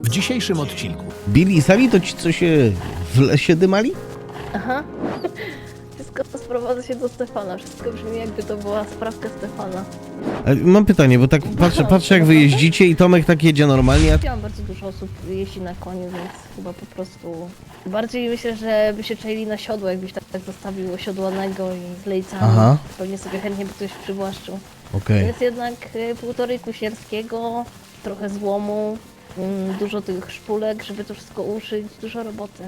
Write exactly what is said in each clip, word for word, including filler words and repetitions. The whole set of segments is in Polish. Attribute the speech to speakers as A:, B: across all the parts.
A: W dzisiejszym odcinku
B: Billy i Sally to ci, co się w lesie dymali?
C: Aha. Wszystko sprowadza się do Stefana. Wszystko brzmi, jakby to była sprawka Stefana.
B: E, Mam pytanie, bo tak patrzę, patrzę jak wy jeździcie i Tomek tak jedzie normalnie, a...
C: Widziałam bardzo dużo osób jeździ na koniu, więc chyba po prostu... Bardziej myślę, że by się czaili na siodło, jakbyś tak, tak zostawił osiodłanego i z lejcami.
B: Aha.
C: Pewnie sobie chętnie by ktoś przywłaszczył.
B: Okej.
C: Jest jednak y, półtorej kusierskiego, trochę złomu, mm, dużo tych szpulek, żeby to wszystko uszyć, dużo roboty.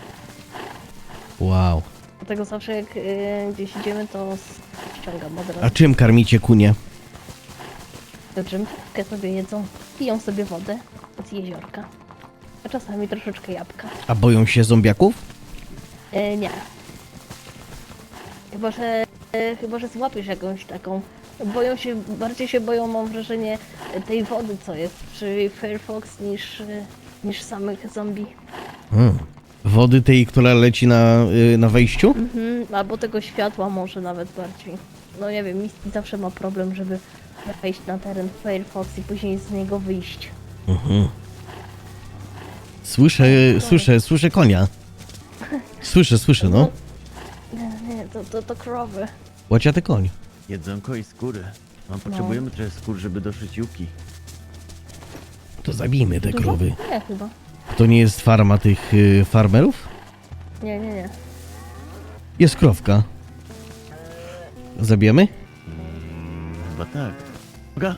B: Wow.
C: Dlatego zawsze jak y, gdzieś idziemy, to ściągam od
B: A
C: razu.
B: czym karmicie kunie?
C: Drzemkę sobie jedzą, piją sobie wodę z jeziorka, a czasami troszeczkę jabłka.
B: A boją się zombiaków?
C: E, nie. Chyba, że, e, chyba, że złapiesz jakąś taką. Boją się, bardziej się boją, mam wrażenie, tej wody, co jest przy Firefox, niż, e, niż samych zombie.
B: Hmm. Wody tej, która leci na, y, na wejściu?
C: Mhm, albo tego światła może nawet bardziej. No nie wiem, Misty zawsze ma problem, żeby wejść na teren Firefox i później z niego wyjść.
B: Mhm. Słyszę, słyszę, słyszę konia. Słyszę, słyszę, no.
C: Nie, nie, to, to, to krowy.
B: Łaciaty koń.
D: Jedzonko i skóry. No, potrzebujemy trochę skór, żeby doszyć juki.
B: To zabijmy te
C: Dużo?
B: krowy.
C: Nie, chyba.
B: To nie jest farma tych y, farmerów?
C: Nie, nie, nie.
B: Jest krowka. Zabijemy?
D: Chyba tak. Uwaga!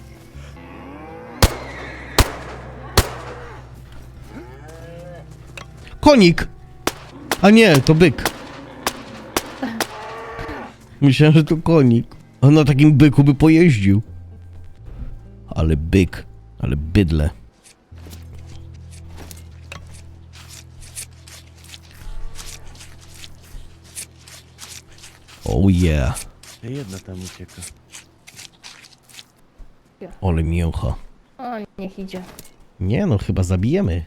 B: Konik! A nie, to byk. Myślałem, że to konik. On na takim byku by pojeździł. Ale byk, ale bydle. Oh yeah.
D: Jedna tam ucieka.
B: Ale mięcha.
C: O, niech idzie.
B: Nie no, chyba zabijemy.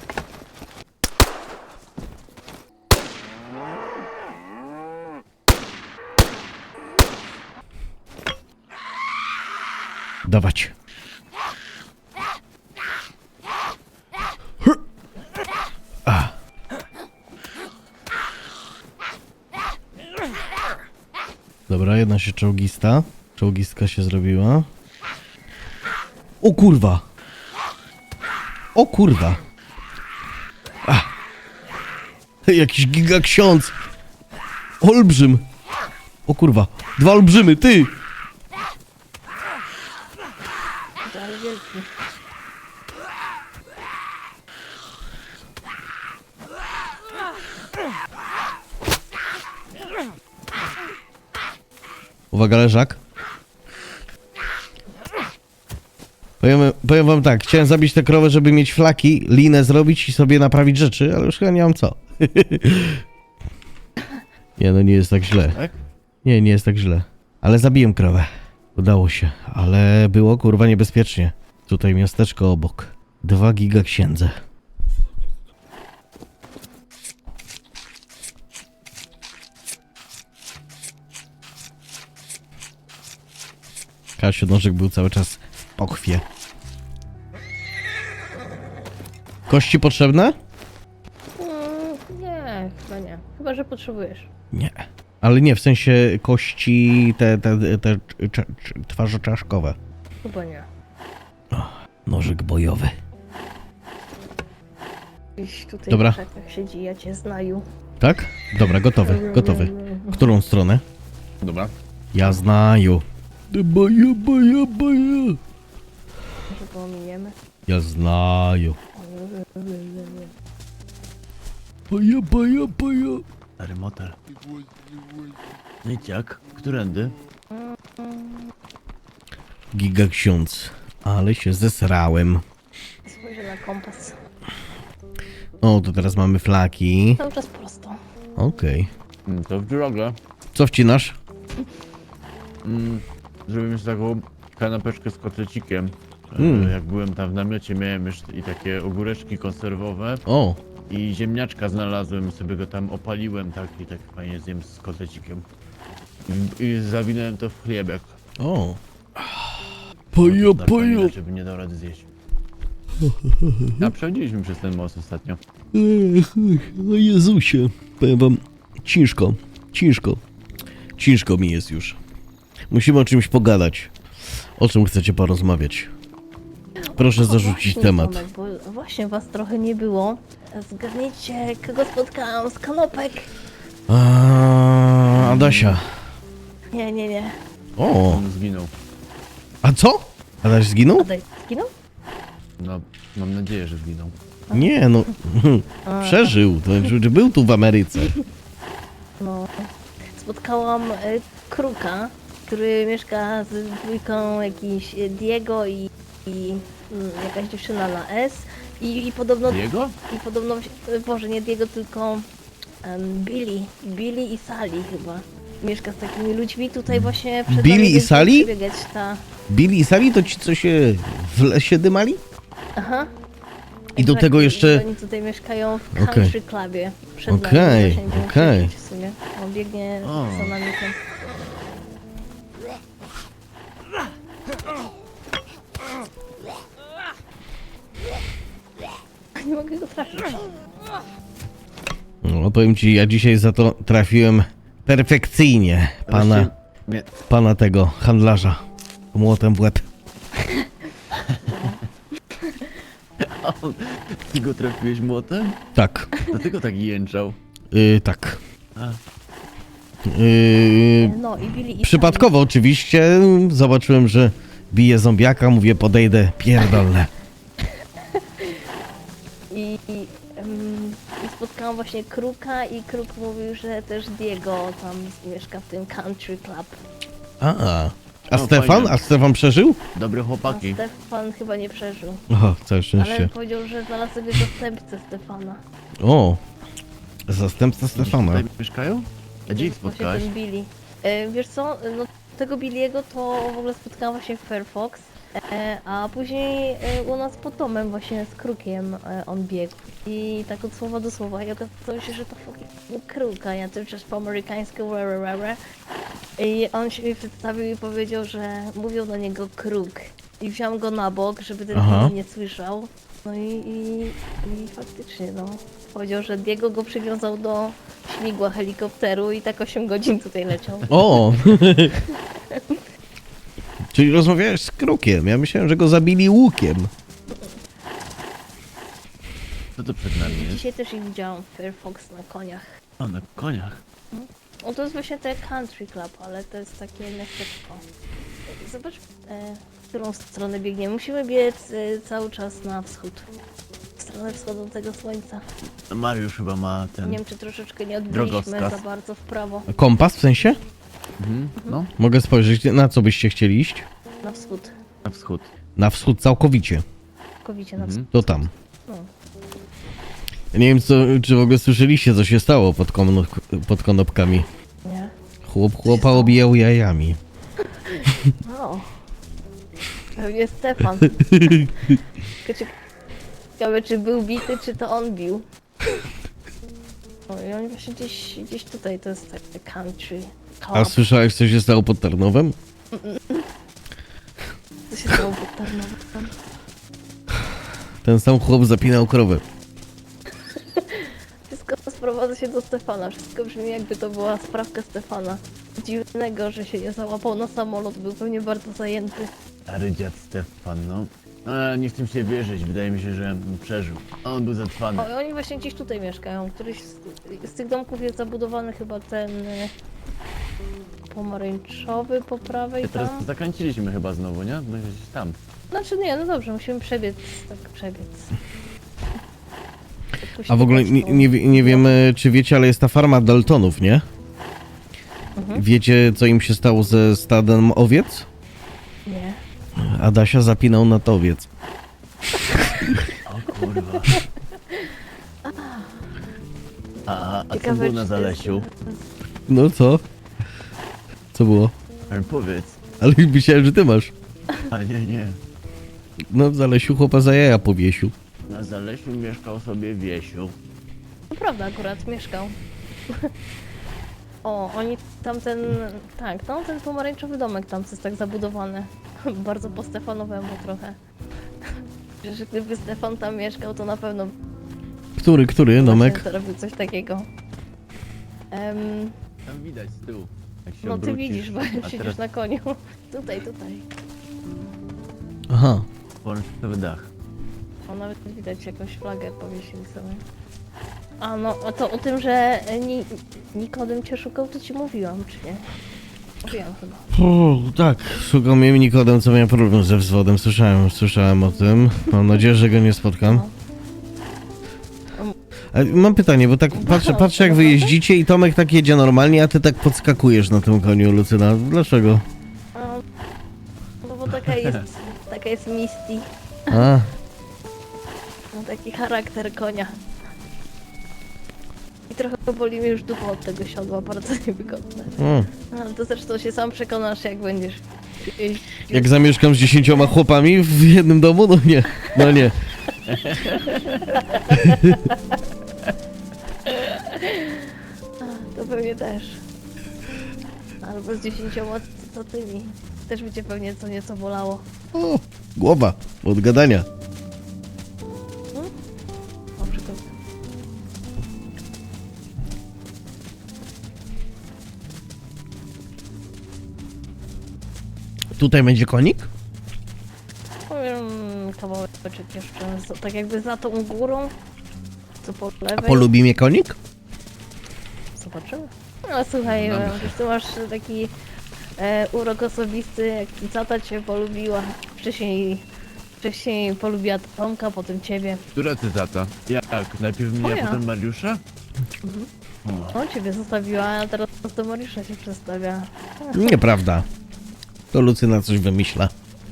B: Dawać. A. Dobra, jedna się czołgista. Czołgistka się zrobiła. O kurwa! O kurwa! A. Jakiś giga ksiądz! Olbrzym! O kurwa! Dwa olbrzymy, ty!
C: To ale wielki.
B: Uwaga, leżak. Powiem, powiem wam tak, chciałem zabić tę krowę, żeby mieć flaki, linę zrobić i sobie naprawić rzeczy, ale już chyba nie mam co. Nie, no nie jest tak źle.
D: Tak?
B: Nie, nie jest tak źle. Ale zabiłem krowę. Udało się, ale było kurwa niebezpiecznie. Tutaj miasteczko obok. Dwa giga księdze. Kasiu Nożek był cały czas w pochwie. Kości potrzebne?
C: Mm, nie, chyba nie. Chyba, że potrzebujesz.
B: Nie. Ale nie, w sensie kości te, te, te cza- cz- twarzoczaszkowe.
C: Chyba nie.
B: Nożyk bojowy.
C: Gdzieś tutaj
B: Dobra.
C: w krzakach siedzi, ja cię znaju.
B: Tak? Dobra, gotowy, gotowy. Którą stronę?
D: Dobra.
B: Ja znaju. Baja, baja, baja.
C: Może pominiemy.
B: Ja znaju. Baja, baja, baja.
D: Stary motel. No i jak? Którędy?
B: Giga ksiądz. Ale się zesrałem.
C: Spojrzę na kompas.
B: O, to teraz mamy flaki.
C: Cały czas prosto.
B: Okej.
D: Mm, To w drogę.
B: Co wcinasz?
D: Mm, zrobimy sobie taką kanapeczkę z kotlecikiem. E,
B: Mm.
D: Jak byłem tam w namiocie, miałem już i takie ogóreczki konserwowe.
B: O,
D: I ziemniaczka znalazłem, sobie go tam opaliłem, tak i tak fajnie zjem z kotlecikiem. I, i zawinąłem to w chlebek.
B: o.
D: No
B: Paja,
D: to tak
B: paja.
D: inaczej by nie dał rady zjeść. A przechodziliśmy przez ten most ostatnio.
B: Ech, o Jezusie. Powiem wam, ciężko, ciężko. Ciężko mi jest już. Musimy o czymś pogadać. O czym chcecie porozmawiać? Proszę
C: O,
B: zarzucić
C: właśnie,
B: temat.
C: Tomek, bo właśnie was trochę nie było. Zgadnijcie, kogo spotkałam z kanopek?
B: A, Adasia.
C: Nie, nie, nie.
B: O,
D: On zginął.
B: a co? Adaś zginął?
C: Adaj, zginął?
D: No, mam nadzieję, że zginął.
B: Nie, no. Przeżył. To znaczy, był tu w Ameryce.
C: No. Spotkałam y, kruka, który mieszka z dwójką jakiś y, Diego i, i mm, jakaś dziewczyna na S. I, i podobno...
D: Jego?
C: I podobno... y, Boże, nie Diego, tylko em, Billy. Billy i Sally chyba. Mieszka z takimi ludźmi tutaj właśnie przed
B: Billy
C: nami
B: i
C: będzie
B: Sally?
C: przebiegać ta...
B: Billy i Sally to ci, co się w lesie dymali?
C: Aha.
B: I do
C: Tak,
B: tego
C: i
B: jeszcze...
C: Oni tutaj mieszkają w
B: Okej.
C: country clubie. Przed nami,
B: Okej,
C: właśnie będziemy
B: okej.
C: przebiegać w sumie. On biegnie
D: O.
C: za nami tam. Nie mogę go trafić.
B: No, powiem ci, ja dzisiaj za to trafiłem perfekcyjnie pana,
D: Właściwie- Nie,
B: pana tego handlarza. Młotem w łeb.
D: ty go trafiłeś młotem?
B: Tak,
D: Dlatego tak jęczał.
B: yy, tak.
D: A,
B: Yy,
C: No i Billy i
B: przypadkowo oczywiście zobaczyłem, że bije zombiaka, mówię podejdę, pierdolę.
C: Sally. I, i, em, I spotkałam właśnie Kruka i Kruk mówił, że też Diego tam mieszka w tym country club.
B: A, a
D: No,
B: Stefan?
D: fajnie.
B: A Stefan przeżył?
D: dobre
C: A
D: chłopaki.
C: Stefan chyba nie przeżył.
B: O, całe
C: Ale
B: szczęście.
C: powiedział, że znalazł sobie zastępcę Stefana.
B: O, zastępca Stefana.
D: Tutaj mieszkają? A gdzie ich
C: Właśnie
D: spotkałeś?
C: ten Billy. E, wiesz co, no tego Billiego to w ogóle spotkałam właśnie w Fairfox, e, a później e, u nas pod domem właśnie z Krukiem e, on biegł. I tak od słowa do słowa i okazało się, że to fucking Kruk, a ja to już po amerykańsku rare, rare. I on się mi przedstawił i powiedział, że mówią do niego Kruk. I wziąłem go na bok, żeby ten
B: Aha.
C: Billy nie słyszał. No i, i, i faktycznie no. Powiedział, że Diego go przywiązał do śmigła helikopteru i tak osiem godzin tutaj leciał.
B: O! Czyli rozmawiałeś z Krukiem. Ja myślałem, że go zabili łukiem.
D: Co to przed nami jest?
C: Dzisiaj też ich widziałam w Fairfox na koniach.
D: O, na koniach.
C: No to jest właśnie te country club, ale to jest takie miasteczko. Zobacz, e, w którą stronę biegniemy. Musimy biec e, cały czas na wschód. W stronę wschodzącego słońca.
D: A Mariusz chyba ma ten...
C: Nie wiem, czy troszeczkę nie odbiliśmy
D: Drogowskaz.
C: za bardzo w prawo.
B: Kompas w sensie?
D: Mhm. No,
B: Mogę spojrzeć, na co byście chcieli iść?
C: Na wschód.
D: na wschód.
B: Na wschód całkowicie.
C: Całkowicie na
D: Mhm.
C: wschód.
B: To tam.
C: No.
B: Ja nie wiem, co, czy w ogóle słyszeliście, co się stało pod, kono, pod konopkami.
C: Nie?
B: Chłop chłopa obijał jajami.
C: No. Pewnie Stefan. Tylko ciekawe, czy był bity, czy to on bił. O, i oni właśnie gdzieś, gdzieś tutaj, to jest takie country
B: A
C: club.
B: słyszałeś, co się stało pod Tarnowem?
C: Co się stało pod Tarnowem?
B: Ten sam chłop zapinał krowę.
C: Wszystko sprowadza się do Stefana. Wszystko brzmi, jakby to była sprawka Stefana. Dziwnego, że się nie załapał na samolot, był pewnie bardzo zajęty.
D: Stary dziad Stefan, no. Ale nie chcę się wierzyć, wydaje mi się, że przeżył. On był zatrwany.
C: O, i oni właśnie gdzieś tutaj mieszkają. Któryś z, z tych domków jest zabudowany chyba ten e, pomarańczowy po prawej
D: Teraz
C: tam.
D: zakręciliśmy chyba znowu, nie? No gdzieś tam.
C: Znaczy nie, no dobrze, musimy przebiec, tak przebiec.
B: A w ogóle nie, nie, wie- nie wiem, e, czy wiecie, ale jest ta farma Daltonów, nie?
C: Mhm.
B: Wiecie, co im się stało ze stadem owiec?
C: Nie.
B: Adasia zapinał na to owiec.
D: O kurwa. A, a co
C: Ciekawe,
D: było
C: czy
D: na
C: to
D: Zalesiu?
C: jest-
B: No co? Co było?
D: Ale powiedz.
B: Ale myślałem, że ty masz.
D: A nie, nie.
B: No w Zalesiu chłopa za jaja powiesił.
D: Na Zalesiu mieszkał sobie Wiesiu.
C: To prawda, akurat mieszkał. O, oni tamten, tak, no ten pomarańczowy domek tam co jest tak zabudowany. Bardzo po Stefanowemu trochę. że gdyby Stefan tam mieszkał, to na pewno
B: Który, który domek?
C: właśnie zrobił coś takiego. Em,
D: Tam widać z tyłu. Jak się
C: no ty
D: obrócisz.
C: widzisz, bo
D: A
C: siedzisz
D: teraz
C: na koniu. Tutaj, tutaj.
B: Aha.
D: pomarańczowy dach.
C: O, nawet widać jakąś flagę powiesili sobie. A no, a to o tym, że ni Nikodem cię szukał, to ci mówiłam, czy nie? Mówiłam chyba.
B: O, tak, szukał mnie Nikodem, co miał problem ze wzwodem. Słyszałem, słyszałem o tym. Mam nadzieję, że go nie spotkam.
C: No.
B: A mam pytanie, bo tak patrzę, patrzę jak wy jeździcie i Tomek tak jedzie normalnie, a ty tak podskakujesz na tym koniu, Lucyna. Dlaczego?
C: A, no bo taka jest, taka jest Misty.
B: A,
C: Ma taki charakter konia. I trochę boli mnie już dupa od tego siodła, bardzo niewygodne.
B: o.
C: Ale to zresztą się sam przekonasz, jak będziesz jeździł.
B: Jak zamieszkam z dziesięcioma chłopami w jednym domu? No nie, no nie.
C: To pewnie też. Albo z dziesięcioma co tymi. Też by cię pewnie co nieco bolało.
B: O, głowa, od gadania.
C: Na przykład.
B: Tutaj będzie konik?
C: Powiem kawałeczek jeszcze, za- tak jakby za tą górą, co po lewej.
B: A polubi mnie konik?
C: Zobaczymy. No słuchaj,
D: No,
C: e,
D: myślę.
C: już tu masz taki e, urok osobisty, jak cicata cię polubiła. Wcześniej, wcześniej polubiła Tomka, potem ciebie.
D: Która cytata? Jak? Najpierw mnie,
C: Moja.
D: a potem Mariusza? O,
C: On ciebie zostawiła, a teraz do Mariusza się przedstawia.
B: Nieprawda. To Lucyna coś wymyśla.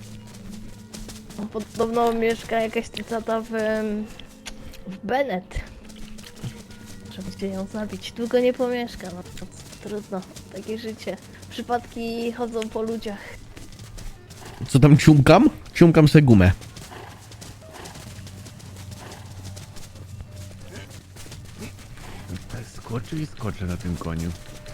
C: Podobno mieszka jakaś cicata w, em, w Bennett. Trzeba się ją zabić. Długo nie pomieszka, no to trudno. Takie życie. Przypadki chodzą po ludziach.
B: Co tam ciumkam? Ciumkam se gumę.
D: tak skoczy i skoczy na tym koniu.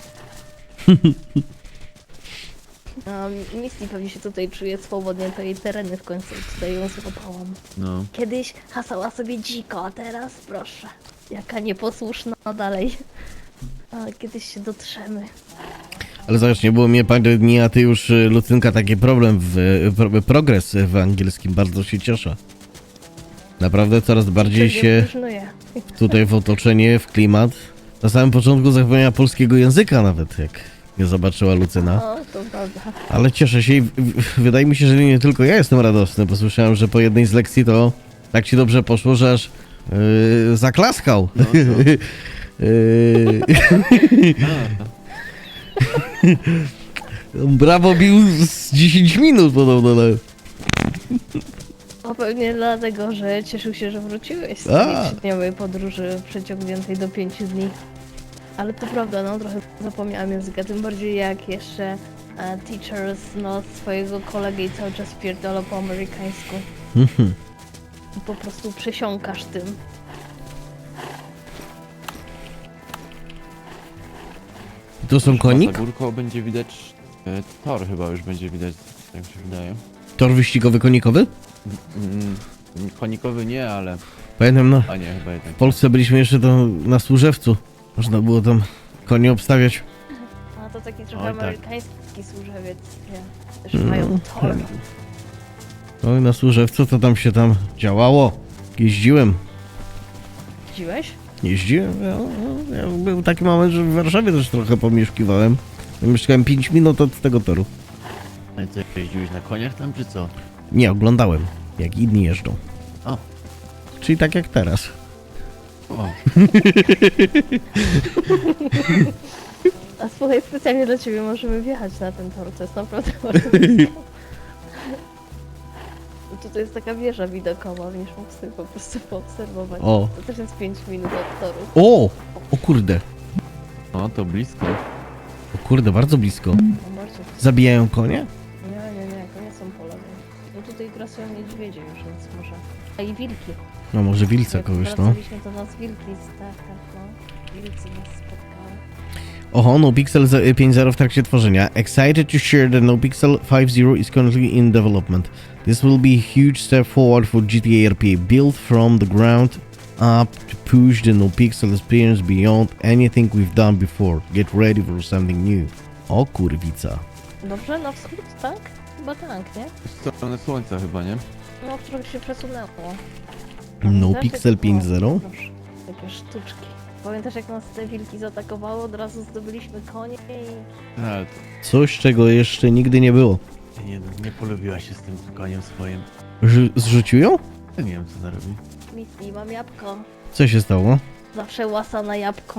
C: A Misty pewnie się tutaj czuje swobodnie, to jej tereny w końcu tutaj ją złapałam.
D: No.
C: Kiedyś hasała sobie dziko, a teraz proszę. Jaka nieposłuszna dalej. A kiedyś się dotrzemy.
B: Ale zobacz, nie było mnie parę dni, a ty już, y, Lucynka, taki problem w, pro, progres w angielskim. Bardzo się cieszę. Naprawdę coraz bardziej
C: Pewnie
B: się
C: próżnuje.
B: tutaj w otoczenie, w klimat. Na samym początku zapomniała polskiego języka nawet, jak nie zobaczyła Lucyna.
C: O, to prawda.
B: Ale cieszę się i w, w, wydaje mi się, że nie tylko ja jestem radosny, bo słyszałem, że po jednej z lekcji to tak ci dobrze poszło, że aż yy, zaklaskał.
D: No, no.
B: Yy,
D: A,
B: Brawo bił z dziesięć minut podobno. No.
C: O, pewnie dlatego, że cieszył się, że wróciłeś z
B: A.
C: tej trzydniowej podróży przeciągniętej do pięciu dni. Ale to prawda, no trochę zapomniałam języka, tym bardziej jak jeszcze e, teachers, no swojego kolegę i cały czas pierdolą po amerykańsku.
B: Mhm.
C: I po prostu przesiąkasz tym.
B: Tu są konik?
A: Za górką będzie widać e, tor chyba już będzie widać, tak mi się wydaje.
B: Tor wyścigowy konikowy?
A: Mm, konikowy nie, ale...
B: Pamiętam, no,
A: A nie, chyba jednak.
B: w Polsce byliśmy jeszcze to na Służewcu. Można było tam konie obstawiać.
C: A to taki trochę
D: Oj, tak.
C: amerykański służewiec, nie? Też mają tor.
B: No i na Służewcu to tam się tam działało. Jeździłem.
C: Widziałeś?
B: Jeździłem. Ja, ja, był taki moment, że w Warszawie też trochę pomieszkiwałem. Mieszkałem pięć minut od tego toru.
D: No i co, jeździłeś na koniach tam, czy co?
B: Nie, oglądałem, jak inni jeżdżą.
D: O.
B: Czyli tak jak teraz.
D: O,
C: A słuchaj, specjalnie dla ciebie możemy wjechać na ten tor, to jest naprawdę bardzo blisko. Tutaj jest taka wieża widokowa, będziesz mógł sobie po prostu poobserwować.
B: O.
C: To też jest pięć minut od toru.
B: O! O kurde.
A: No to blisko.
B: O kurde, bardzo blisko.
C: No bardzo.
B: Zabijają konie?
C: Nie, nie, nie, to nie są pola. No tutaj grasują niedźwiedzie już, więc może. A i wilki.
B: No może wilca
C: Jak
B: kogoś, no.
C: wracaliśmy, to nas wilki z tak, tak, no. Wilcy nas spotkały.
B: Oho, NoPixel pięć zero w trakcie tworzenia. Excited to share that NoPixel pięć zero is currently in development. This will be a huge step forward for G T A R P, built from the ground up to push the no-pixel experience beyond anything we've done before. Get ready for something new. O kurwica.
C: Dobrze, na wschód, tak? Chyba tak, nie?
A: W stronę słońca chyba, nie?
C: No, trochę się przesunęło.
B: No
C: Pamiętasz,
B: Pixel
C: jak-
B: pięć
C: o,
B: zero?
C: proszę, Takie sztuczki. Pamiętasz, jak nas te wilki zaatakowały? Od razu zdobyliśmy konie i...
A: Ale to
B: Coś, czego jeszcze nigdy nie było.
D: Nie, nie polubiła się z tym koniem swoim.
B: Ż- zrzucił ją?
D: Ja nie wiem co ona robi.
C: Misji, mam jabłko.
B: Co się stało?
C: Zawsze łasa na jabłko.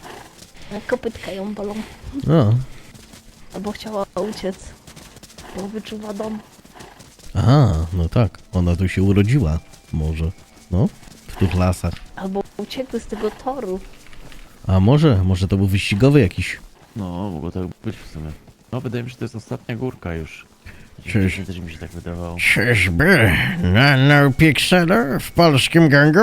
C: Kopytka ją bolą.
B: A,
C: Albo chciała uciec. Bo wyczuwa dom.
B: aha, no tak. Ona tu się urodziła. Może. No, w tych lasach.
C: Albo uciekły z tego toru.
B: A może, może to był wyścigowy jakiś.
D: No, mogło tak być w sumie. No, wydaje mi się, że to jest ostatnia górka już.
B: Cześć.
D: Też mi się tak wydawało.
B: Czyżby? Na no Pixelu w polskim gangu?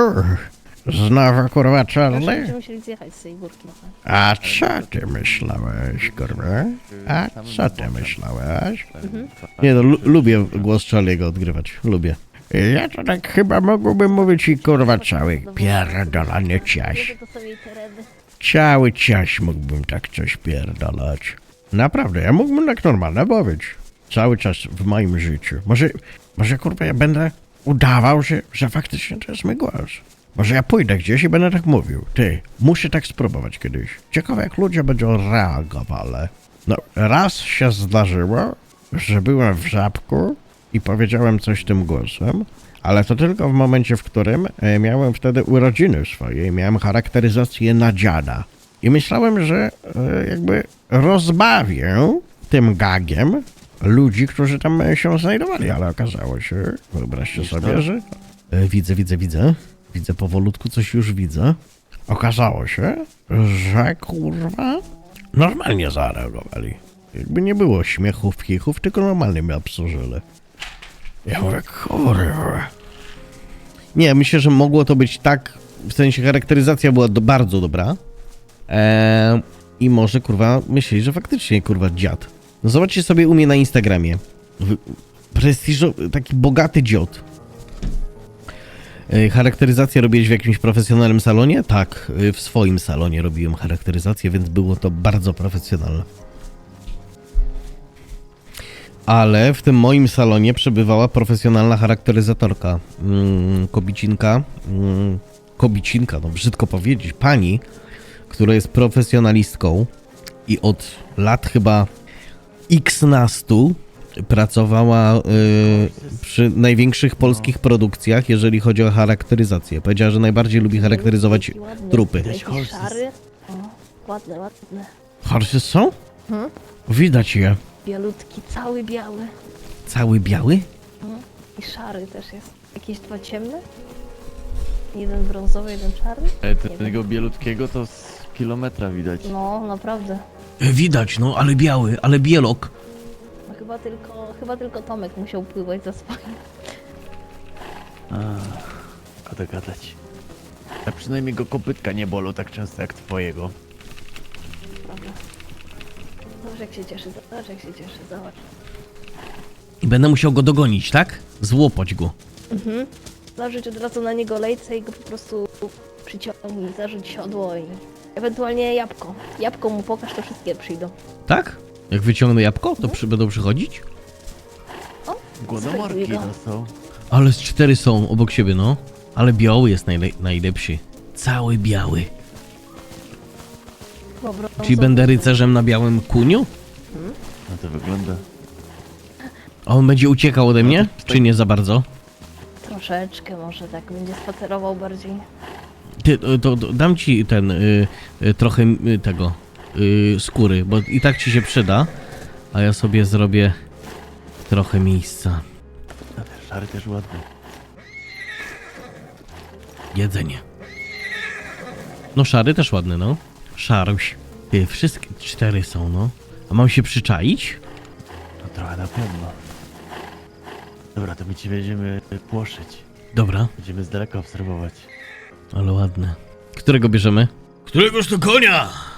B: Znowu kurwa
C: Zawsze
B: Charlie?
C: będziemy musieli zjechać z tej górki.
B: A co ty myślałeś, kurwa? A co ty myślałeś? Nie no, lu- lubię głos Charlie'ego odgrywać. Lubię. Ja to tak chyba mógłbym mówić i kurwa cały pierdolony ciaś.
C: Wiecie, to są jej tereny.
B: Cały ciaś mógłbym tak coś pierdolać. Naprawdę, ja mógłbym tak normalnie mówić. Cały czas w moim życiu. Może, może kurwa ja będę udawał, że, że faktycznie to jest mój głos. Może ja pójdę gdzieś i będę tak mówił. Ty, muszę tak spróbować kiedyś. Ciekawe jak ludzie będą reagowali. No, raz się zdarzyło, że byłem w Żabku i powiedziałem coś tym głosem, ale to tylko w momencie, w którym e, miałem wtedy urodziny swoje i miałem charakteryzację na dziada. I myślałem, że e, jakby rozbawię tym gagiem ludzi, którzy tam e, się znajdowali, ale okazało się, wyobraźcie
D: Widzisz
B: sobie,
D: to?
B: że... E, widzę, widzę, widzę. Widzę powolutku, coś już widzę. Okazało się, że kurwa normalnie zareagowali. Jakby nie było śmiechów, kichów, tylko normalnie mnie obsłużyli. Ja mówię, kurwa. Nie, myślę, że mogło to być tak, w sensie charakteryzacja była do, bardzo dobra. Eee, I może, kurwa, myśleli, że faktycznie, kurwa, dziad. No zobaczcie sobie u mnie na Instagramie. W- Prestiżo, taki bogaty dziad. E, Charakteryzację robiłeś w jakimś profesjonalnym salonie? Tak, e, w swoim salonie robiłem charakteryzację, więc było to bardzo profesjonalne. Ale w tym moim salonie przebywała profesjonalna charakteryzatorka. Mm, kobicinka. Mm, kobicinka, no brzydko powiedzieć. Pani, która jest profesjonalistką i od lat chyba xnastu pracowała y, przy największych polskich produkcjach, jeżeli chodzi o charakteryzację. Powiedziała, że najbardziej lubi charakteryzować
C: Jaki ładny.
B: trupy.
C: Jakiś
D: horses.
C: szary. O, ładne, ładne.
B: Horses są?
C: Hmm?
B: Widać je.
C: Bialutki, cały biały.
B: Cały biały?
C: I szary też jest. Jakieś dwa ciemne? Jeden brązowy, jeden czarny?
A: e, tego bielutkiego to z kilometra widać.
C: No, naprawdę.
B: Widać, no, ale biały, ale bielok.
C: No, chyba tylko, chyba tylko Tomek musiał pływać za swoim.
D: Szkoda gadać. A przynajmniej go kopytka nie bolą tak często jak twojego.
C: Prawda. Zobacz jak się cieszy, zobacz jak się cieszy, zobacz.
B: I będę musiał go dogonić, tak? Złopać go.
C: Mhm. Zażyć od razu na niego lejce i go po prostu przyciągnij, zarzuć siodło i ewentualnie jabłko. Jabłko mu pokaż, to wszystkie przyjdą.
B: Tak? Jak wyciągnę jabłko, to przy, będą przychodzić?
D: Głodomorki
C: Spróbuj go.
D: to są.
B: Ale z cztery są obok siebie, no. Ale biały jest najle- najlepszy. Cały biały.
C: Chyba brązowy.
B: Czyli będę rycerzem na białym kuniu?
D: No to wygląda.
B: A on będzie uciekał ode mnie? Czy nie za bardzo?
C: Troszeczkę może tak, będzie spacerował bardziej.
B: Ty, to, to, to dam ci ten, y, y, trochę y, tego, y, skóry, bo i tak ci się przyda. A ja sobie zrobię trochę miejsca.
D: A ten szary też ładny.
B: Jedzenie. No szary też ładny, no. Szaruś. Ty, wszystkie cztery są, no. A mam się przyczaić?
D: No trochę na pewno. Dobra, to my ci będziemy płoszyć.
B: Dobra,
D: Będziemy z daleka obserwować.
B: ale ładne. Którego bierzemy? Któregoż to konia?